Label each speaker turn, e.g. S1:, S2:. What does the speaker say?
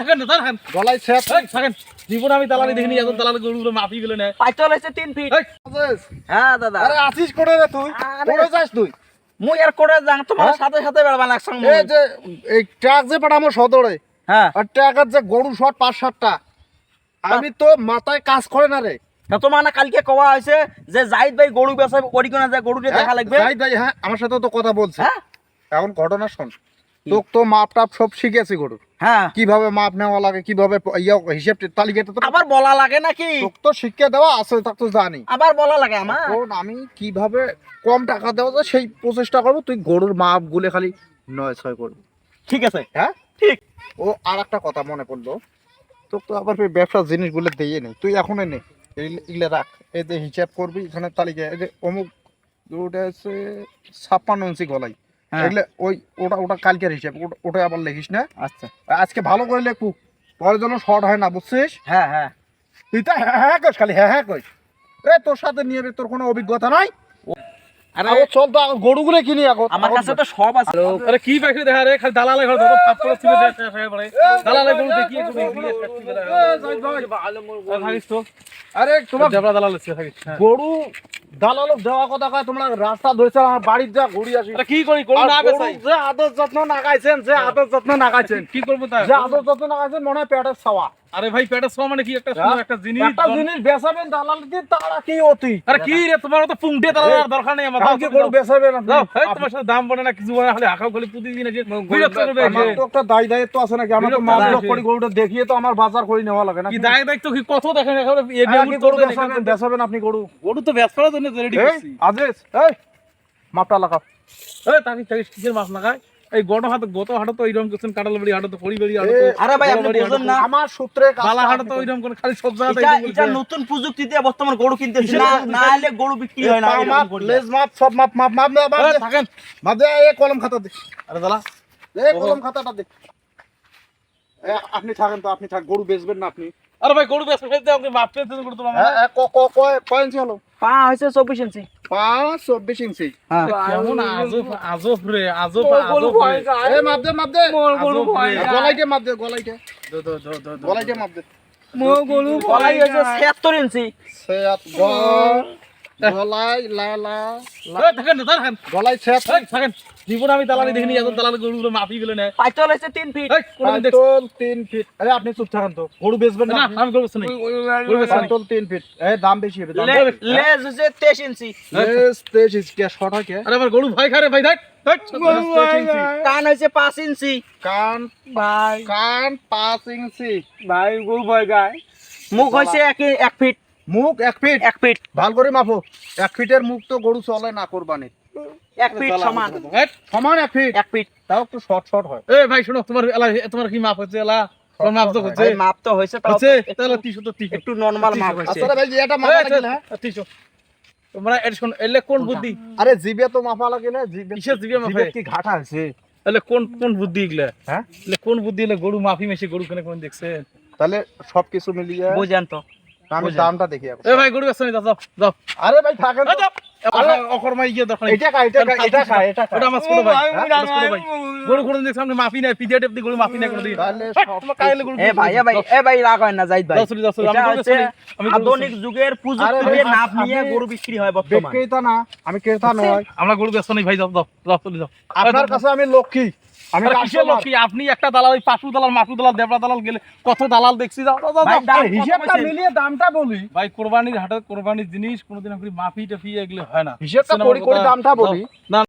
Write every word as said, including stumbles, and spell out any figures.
S1: থাকেন না থাকেন
S2: গলায় ছেদ
S1: এই থাকেন জীবন আমি দালালি দেখিনি এত দালালি গরুগুলো মাপি গেলে না
S3: পাইতল হইছে তিন ফিট
S1: এই
S2: আছিস?
S3: হ্যাঁ দাদা
S2: আরে আসিস করে রে তুই
S3: আরে-
S2: করে যাস তুই
S3: মুই আর করে যাং তোমার
S2: হ্যাঁ?
S3: সাথে সাথে বেড়বা লাগছাং
S2: এই যে এই ট্রাক যে পাঠামো সদরে
S3: হ্যাঁ
S2: আর ট্রাকের যে গরু শট পাঁচ সাতটা আমি তো মাথায় কাজ করে না রে
S3: তা তোমার না কালকে কওয়া হয়েছে যে জাহিদ ভাই গরু বেচাবে করি কোনা যে গরুটা দেখা লাগবে
S2: জাহিদ ভাই হ্যাঁ আমার সাথে তো কথা বলছে
S3: হ্যাঁ
S2: এখন ঘটনা শোন তোক তো মাপ টাপ সব শিখেছি গরু
S3: হ্যাঁ
S2: কিভাবে মাপ নেওয়া লাগে কিভাবে ইয়ে হিসেব তালিকাটা তো
S3: আবার বলা লাগে নাকি
S2: তোক তো শিক্ষা দেওয়া আছে তা তো জানি
S3: আবার বলা লাগে আমার
S2: এখন আমি কিভাবে কম টাকা দেওয়া যায় সেই প্রচেষ্টা করবো তুই গরুর মাপ গুলে খালি নয় ছয় করবি
S3: ঠিক আছে
S2: হ্যাঁ
S3: ঠিক
S2: ও আর একটা কথা মনে পড়লো তোর তো আবার ওই ব্যবসার জিনিসগুলো দিয়ে নেই তুই এখনই নে এগুলো রাখ এই যে হিসাব করবি এখানে তালিকা এই যে অমুক ওটা হচ্ছে ছাপ্পান্ন ইঞ্চি গলাই
S3: হ্যাঁ।
S2: এগুলো ওই ওটা ওটা কালকের হিসাব ওটা- ওটা আবার লিখিস না
S3: আচ্ছা
S2: আজকে ভালো করে লেখু পরে যেন শর্ট হয় না বুঝছিস
S3: হ্যাঁ হ্যাঁ
S2: তুই তো হ্যাঁ হ্যাঁ কইস খালি হ্যাঁ হ্যাঁ কইস এ তোর সাথে নিয়ে রে, তোর কোনো অভিজ্ঞতা নাই
S3: আরে
S2: আরে চল তো আগে গরুগুলো কিনি এখন
S3: আমার কাছে তো সব আছে
S1: আরে কি পাখি দেখা রে খালি দালালে ঘর ধরো পাপ করে ছিল দেখ হয়ে পড়ে দালালে গরু দেখি একটু দেখি থাকিস তো
S2: আরে তোমার
S1: দেবরা দালাল আছে থাকিস
S2: গরু দালালো দেওয়া কথা কয় তোমরা রাস্তা ধরেছে আমার বাড়ির যা ঘুরি আসি
S1: আরে কি করি গরু
S2: আর
S1: না
S2: গরু
S1: বেচাই
S2: যে আদর যত্ন নাগাইছেন যে আদর যত্ন নাগাইছেন
S1: কি করব তা
S2: যে আদর যত্ন নাগাইছেন মনে হয় পেটের ছাওয়া
S1: আরে ভাই পেটে সব মানে কি একটা শুনো একটা জিনিস
S2: একটা জিনিস বেচাবেন দালাল দিয়ে তারা কি অতি
S1: আরে কি রে তোমার তো পুংটে দালাল দরকার নেই আমার
S2: কালকে গরু বেচাবেন আপনি
S1: দাও এই তোমার সাথে দাম বলে না কিছু বলে না খালি হাকাও খালি প্রতিদিন আছে বিরক্ত করবে
S2: আমার তো একটা দায় দায়িত্ব আছে নাকি আমার তো
S1: বিরক্ত
S2: মাপ
S1: লাগে।
S2: লোক করে গরুটা দেখিয়ে তো আমার বাজার করে নেওয়া লাগে না
S1: কি দায় দায়িত্ব কি কত দেখেন একেবারে এই
S2: হ্যাঁ, কি গরু
S1: গরু
S2: বেচাবেন বেচাবেন আপনি গরু
S1: গরু তো ব্যস্ত করার জন্য রেডি
S2: এই
S1: করছি
S2: আজেস এই মাপটা লাগাও
S1: এই তাকি তাকি কিসের মাছ লাগায় এই গড় হাতে গত হাটে তো এইরকম করছেন কাটাল বাড়ি হাটে তো পরি বাড়ি হাটে তো
S3: আরে ভাই আপনি বুঝেন না
S2: আমার সূত্রে কাজটা
S1: বালা হাটে
S2: আপনি
S1: তো
S2: করেন।
S1: ওইরকম করে খালি সব জায়গাতে
S3: এটা
S1: এইরকম
S3: এটা
S1: করছে।
S3: নতুন প্রযুক্তি দিয়ে বর্তমান গরু কিনতেছি
S1: কিসের
S3: না
S1: প্রযুক্তি?
S3: না হলে গরু বিক্রি হয় না
S2: পা
S3: এরকম
S2: মাপ,
S3: করি।
S2: লেজ মাপ, সব মাপ, মাপ, মাপ, মাপ, মাপ,
S1: এই,
S2: মাপ দে।
S1: থাকেন
S2: মাপ দে, এই কলম খাতা দে।
S1: আরে দালা
S2: এই কলম খাতাটা দে। এ, আপনি থাকেন তো, আপনি থাক, গরু বেচবেন না আপনি।
S1: আরে ভাই গরু ব্যস্ত ফেলতে আমাকে মাপ পেতে করে তোমার
S2: এ, এ, ক- ক- কয়- কয় ইঞ্চি হলো?
S3: পা হয়েছে চব্বিশ ইঞ্চি
S2: পাঁচ, চব্বিশ ইঞ্চি।
S3: হ্যাঁ
S1: কেমন আজব আজব রে আজব
S3: গরু
S1: আজব
S3: ভয়
S1: রে।
S3: যায়।
S2: এ, মাপ দে, মাপ দে।
S1: গরু ভয়
S2: এ, গলাইটে মাপ দে, গলাইটে।
S1: দো দো দো দো দো।
S2: গলাইটে মাপ দে।
S3: গরু গলাই হয়েছে ছিয়াত্তর ইঞ্চি
S2: সেয়াত, গ- গলাই, লা, লা, লা।
S1: এই, থাকেন না থাকেন
S2: গলাই, সেয়াত।
S1: এই, থাকেন জীবন আমি দালালি দেখিনি এত দালালি গরুগুলো মাপি গেলে না
S3: পাইতল হয়েছে তিন ফিট
S1: এই কোনদিন দেখছ
S2: পাঁচতল তিন ফিট। আরে, আপনি চুপ থাকেন তো। গরু বেচবেন না
S1: না
S2: আপনি?
S1: আমি গরু বেচতে নাই গরু বেচতে নাই
S2: পাঁচতল তিন ফিট। এ, দাম বেশি হবে, দাম
S3: লে-
S2: বেশি।
S3: লেজ হয়েছে তেইশ ইঞ্চি
S2: লেজ, তেইশ ইঞ্চি। কে, শর্ট হয় কে?
S1: আরে আমার গরু ভয় খারে ভাই দেখ দেখ
S2: লেজ, তেইশ ইঞ্চি।
S3: কান হয়েছে পাঁচ ইঞ্চি
S2: কান
S3: ভাই
S2: কান পাঁচ ইঞ্চি।
S3: ভাই গরু ভয় গায় মুখ হয়েছে এক এক ফিট
S2: মুখ এক ফিট।
S3: এক ফিট
S2: ভাল করে মাপো। এক ফিটের মুখ তো গরু চলে না কোরবানি।
S3: এক ফিট সমান
S1: এই,
S2: সমান এক ফিট।
S3: এক ফিট
S2: তাও একটু শর্ট শর্ট হয়।
S1: এই ভাই শোনো তোমার এলা তোমার কি মাপ হচ্ছে এলা তোমার মাপ তো হচ্ছে
S3: ভাই মাপ তো হয়েছে তাও
S1: হচ্ছে
S3: তো
S1: তাহলে তিনশো তো তিনশো
S3: একটু নরমাল মাপ হয়েছে
S2: আচ্ছা রে ভাই, এটা মাপা লাগিলে, হ্যাঁ?
S1: তিনশো তোমরা এটা শোনো এলে কোন বুদ্ধি
S2: আরে জিবে তো মাপা লাগিলে, জিবে
S1: কিসের জিভে মাপে?
S2: জিভে কি ঘাটা আছে?
S1: এলে কোন কোন বুদ্ধি এগুলা
S2: হ্যাঁ?
S1: এলে কোন বুদ্ধি এলে গরু মাফি মেশে গরু কেন কোন দেখছেন
S2: তাহলে সবকিছু মিলিয়ে
S3: বুঝেন তো
S2: আমি দামটা দেখি এখন।
S1: এই ভাই গরু ব্যস্ত নেই যাও যাও
S2: আরে ভাই থাকেন তো।
S1: আরে অকর্মাই গিয়ে দরকার নেই
S2: এটা খায়, এটা খায়, এটা খায়, এটা খায়।
S1: ওটা আমার ছোট ভাই হ্যাঁ, ওটা ছোট ভাই গরু কোন দেখছ সামনে মাফি নাই পিডিয়া টেপ দিয়ে গরু মাফি নাই কোন দিন
S2: তাহলে সব
S1: তোমার কাইলে গরু
S3: এ ভাই এ ভাই এ ভাই রাগ হয় না জাহিদ ভাই
S1: যাও চলি যাও চলি আমি
S3: এটা
S1: গরু
S3: হচ্ছে
S1: ব্যস্ত নেই আমি গরু
S3: আধুনিক যুগের প্রযুক্তি
S2: আরে
S3: দিয়ে
S2: ভাই,
S3: নাপ নিয়ে
S2: আপনি-
S3: গরু বিক্রি হয় বর্তমানে
S2: বিক্রেতা না, আমি ক্রেতা নয়।
S1: আমরা গরু ব্যস্ত নেই ভাই যাও যাও যাও চলি যাও
S2: আপনার কাছে আমি লক্ষ্মী, আমি
S1: আরে কিসের লোক
S2: কাস্টমার।
S1: কি? আপনি একটা দালাল ওই পাটু দালাল মাটু দালাল দেবরা দালাল গেলে কত দালাল দেখছি যাও যাও, যাও
S3: ভাই,
S1: যাও।
S3: দাম
S2: আরে হিসাবটা
S3: কত কইছেন?
S2: মিলিয়ে দামটা বলি।
S1: ভাই কোরবানির হাটে কোরবানির জিনিস কোনোদিন আপনি মাফি টাফি এগুলো হয় না
S2: হিসাবটা
S1: শোনো
S2: করি
S1: আমার
S2: করি
S1: কথা।
S2: দামটা বলি।
S1: না